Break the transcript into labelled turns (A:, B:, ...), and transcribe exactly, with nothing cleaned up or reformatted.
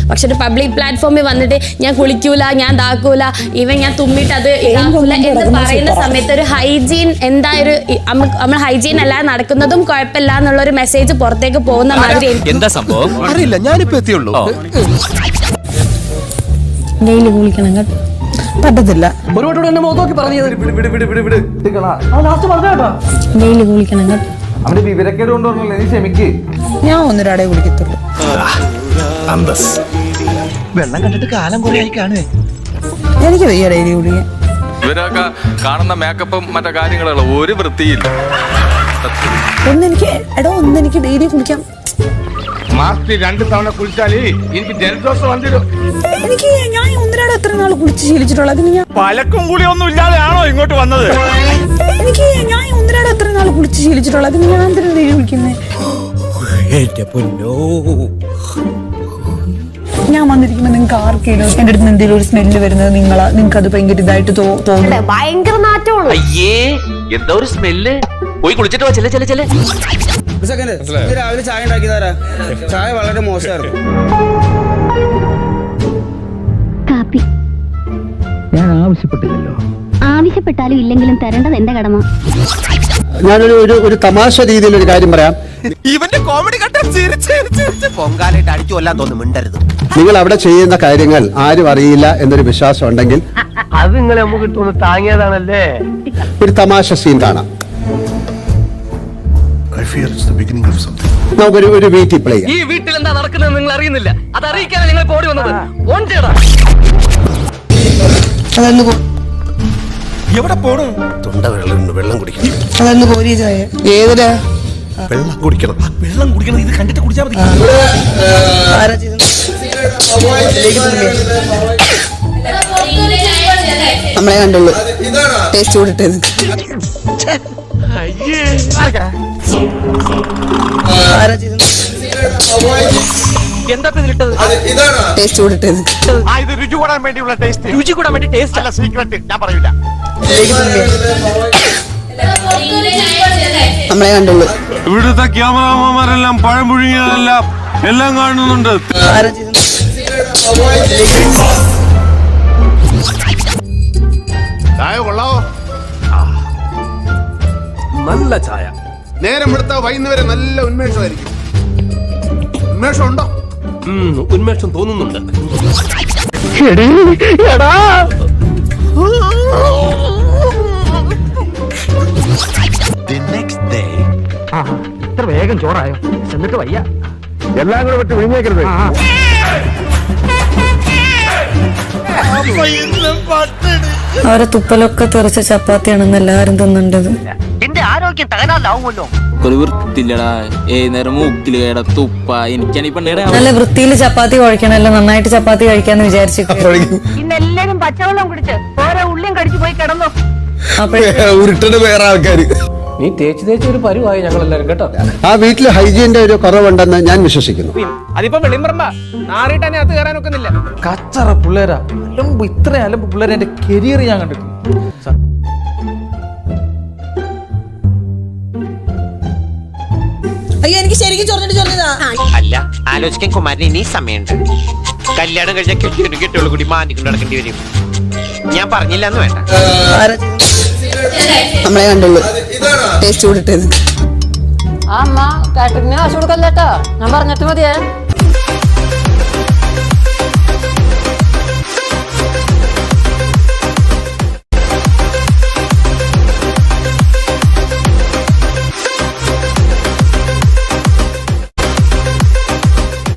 A: പക്ഷെ ഒരു പബ്ലിക് പ്ലാറ്റ്ഫോമിൽ വന്നിട്ട് ഞാൻ കുളിക്കൂല, ഞാൻ ഇതാക്കൂല, ഇവൻ ഞാൻ തുമ്മിട്ട് അത് ഇതാക്കൂല എന്ന് പറയുന്ന സമയത്ത് ഒരു ഹൈജീൻ എന്താ ഒരു നമ്മൾ ഹൈജീൻ അല്ലാതെ നടക്കുന്നതും കുഴപ്പമില്ല എന്നുള്ള ഒരു മെസ്സേജ് പുറത്തേക്ക് പോകുന്ന മാതിരി.
B: എന്താ സംഭവം അറിയില്ല, ഞാനിപ്പോ എത്തിയുള്ളൂ.
A: ഡെയിലി കുളിക്കണം കേട്ടോ,
C: പറ്റത്തില്ല.
A: ഡെയിലി കുളിക്കണം കേട്ടോ.
D: അവന്റെ വിവരക്കേട് കൊണ്ടുവരണല്ലോ, നീ ക്ഷമിക്ക്.
C: ഞാൻ ഒന്നൊരാടെ കുളിക്കത്തുള്ളൂ.
B: വെള്ളം കണ്ടിട്ട് കാലം കുറെ ആയി കാണുവേ.
C: എനിക്ക് വയ്യ ഡെയിലി കുളിക്കാൻ.
E: ഇവരൊക്കെ കാണുന്ന മേക്കപ്പും മറ്റു കാര്യങ്ങളുള്ള ഒരു വൃത്തിയില്ല.
C: ഒന്നെനിക്ക് എടോ ഒന്നെനിക്ക് ഡെയിലി കുളിക്കാം.
D: മാസത്തിൽ രണ്ട് തവണ കുളിച്ചാലേ എനിക്ക് ജലദോഷം വന്നിരും.
C: എനിക്ക് ഞാൻ ഒന്നരാടെ എത്ര നാൾ കുളിച്ച് ശീലിച്ചിട്ടുള്ള അതിന് ഞാൻ
D: പലക്കും കൂടി ഒന്നും ഇല്ലാതെയാണോ ഇങ്ങോട്ട് വന്നത്?
C: എനിക്ക് ഞാൻ ഒന്നരാടെ എത്ര നാൾ കുളിച്ച് ശീലിച്ചിട്ടുള്ള അതിന് ഞാൻ എന്തിനാ ഡെയിലി കുളിക്കുന്നേ? ഞാൻ വന്നിരിക്കുമ്പോ നിങ്ങൾക്ക് ആർക്കെങ്കിലും എന്റെ അടുത്ത് എന്തെങ്കിലും ഒരു സ്മെല്ല് വരുന്നത് നിങ്ങളാ, നിങ്ങൾക്ക് അത് ഭയങ്കര ഇതായിട്ട് തോന്നുന്നു.
A: ഭയങ്കര നാറ്റമാണ്.
B: അയ്യേ എന്താ ഒരു സ്മെല്ല്. പോയി കുളിച്ചിട്ട് വാ. ചെല്ലെ ചെല്ലെ ചെല്ലെ.
F: രാവിലെ ചായ ഉണ്ടാക്കി തരാ. ചായ വളരെ മോശമായിരുന്നു.
G: കാപ്പി
B: ഞാൻ ആവശ്യപ്പെട്ടില്ലല്ലോ.
G: ആവശ്യപ്പെട്ടാലും ഇല്ലെങ്കിലും തരേണ്ടത് എന്റെ കടമ.
H: ഞാനൊരു ഒരു ഒരു തമാശ രീതിയിൽ ഒരു കാര്യം പറയാം.
B: ഇവന്റെ കോമഡി കണ്ടാ പൊങ്കാലായിട്ട് അടിച്ചു കൊല്ലാൻ തോന്നുന്നു. മിണ്ടരുത്.
H: നിങ്ങൾ അവിടെ ചെയ്യുന്ന കാര്യങ്ങൾ ആരും അറിയില്ല എന്നൊരു വിശ്വാസം ഉണ്ടെങ്കിൽ
F: അത് നിങ്ങളെ നമുക്ക് തോന്നുന്നു താങ്ങിയതാണല്ലേ.
H: ഒരു തമാശ സീൻ കാണാം. നമുക്കൊരു ഒരു വീട്ടിൽ പ്ലേ ചെയ്യാം.
F: ഈ വീട്ടിൽ എന്താ നടക്കുന്നത് നിങ്ങൾ അറിയുന്നില്ല. അത് അറിയിക്കാനാണ് നിങ്ങൾ ഓടി വന്നത്.
B: എവിടെ പോണു? തൊണ്ട വെള്ളം വെള്ളം കുടിക്കണം.
C: അതൊന്ന് കോരി ചായ ഏതിലാ
B: വെള്ളം കുടിക്കണം. വെള്ളം കുടിക്കണം. ഇത് കണ്ടിട്ട് കുടിച്ചാൽ മതി.
C: ആരാ ചെയ്തത്? നമ്മളെ കണ്ടുള്ളൂ. ടേസ്റ്റ് കൂടിട്ടത് ആരാ ചെയ്തത്?
F: എന്താ ഇതിലിട്ടത്?
C: ടേസ്റ്റ് കൂടിട്ടത്
D: ഇത് രുചി കൂടാൻ വേണ്ടിയുള്ള ടേസ്റ്റ്.
F: രുചി കൂടാൻ വേണ്ടി ടേസ്റ്റ് അല്ല, സീക്രട്ട്. ഞാൻ പറയൂല.
C: നമ്മളെ കണ്ടുള്ളൂ.
E: ഇവിടുത്തെ ക്യാമറമാരെല്ലാം പഴം പുഴുങ്ങിയതെല്ലാം എല്ലാം കാണുന്നുണ്ട്.
C: ആരാ ചെയ്തത്?
D: ചായ കൊള്ളാവോ?
B: നല്ല ചായ.
D: നേരം എടുത്താ വൈകുന്നേരം നല്ല ഉന്മേഷമായിരിക്കും. ഉന്മേഷം ഉണ്ടോ?
B: ഉന്മേഷം തോന്നുന്നുണ്ട്.
F: ഇത്ര വേഗം ചോറായോ? എന്നിട്ട് വയ്യ.
D: എല്ലാം കൂടെ പറ്റി വിഴുങ്ങേക്കരുത്.
C: അവരെ തുപ്പലൊക്കെ തെറിച്ച ചപ്പാത്തിയാണെന്ന് എല്ലാരും തിന്നണ്ടത്.
F: എന്റെ ആരോഗ്യം തകരാറിലാവുമല്ലോ.
I: വൃത്തില്ലടാ. ഏത് നേരം മൂക്കില് കേട തുപ്പ. എനിക്കാണ് ഈ പെണ്ണേടെ
C: നല്ല വൃത്തിയിൽ ചപ്പാത്തി കുഴക്കണല്ലോ. നന്നായിട്ട് ചപ്പാത്തി കഴിക്കാന്ന് വിചാരിച്ചു.
G: ഇന്നെല്ലാരും പച്ചവെള്ളം കുടിച്ച് ഓരോ ഉള്ളിയും കടിച്ചു പോയി കിടന്നു.
H: ഉരുട്ടന് വേറെ ആൾക്കാര്.
F: നീ തേച്ച് തേച്ച് ഒരു പരുവായി ഞങ്ങൾ എല്ലാരും കേട്ടോ.
H: ആ വീട്ടിൽ ഹൈജീന്റെ ഒരു കുറവുണ്ടെന്ന് ഞാൻ വിശ്വസിക്കുന്നു.
F: അതിപ്പോ വെളിമ്പറമ്പ നാറിട്ട് തന്നെ അത് കയറാൻ ഒക്കുന്നില്ല. കച്ചറ പിള്ളേരാ. അലമ്പ് ഇത്ര അലമ്പ് പിള്ളേരെ എന്റെ കരിയർ ഞാൻ കണ്ടിട്ടുണ്ട്.
C: അയ്യോ എനിക്ക് ശരിക്കും ചൊറിഞ്ഞിട്ട് ചൊറിഞ്ഞതാ.
B: അല്ല, ആലോചിക്കാൻ കുമാരന് ഇനി സമയമുണ്ട്. കല്യാണം കഴിഞ്ഞ കെട്ടിയൊരു കെട്ടിയോളൂ കൂടി മാനിക്കൊണ്ട് നടക്കേണ്ടി വരും. ഞാൻ പറഞ്ഞില്ല എന്ന് വേണ്ട.
C: ആരാ ചെയ്തത്? നമ്മളെ കണ്ടുള്ളൂ. ടേസ്റ്റ് കൂടിട്ടത്
A: ആ അമ്മ കാറ്ററിംഗിന് കാശ് കൊടുക്കല്ലേട്ടോ, ഞാൻ പറഞ്ഞിട്ട് മതിയേ.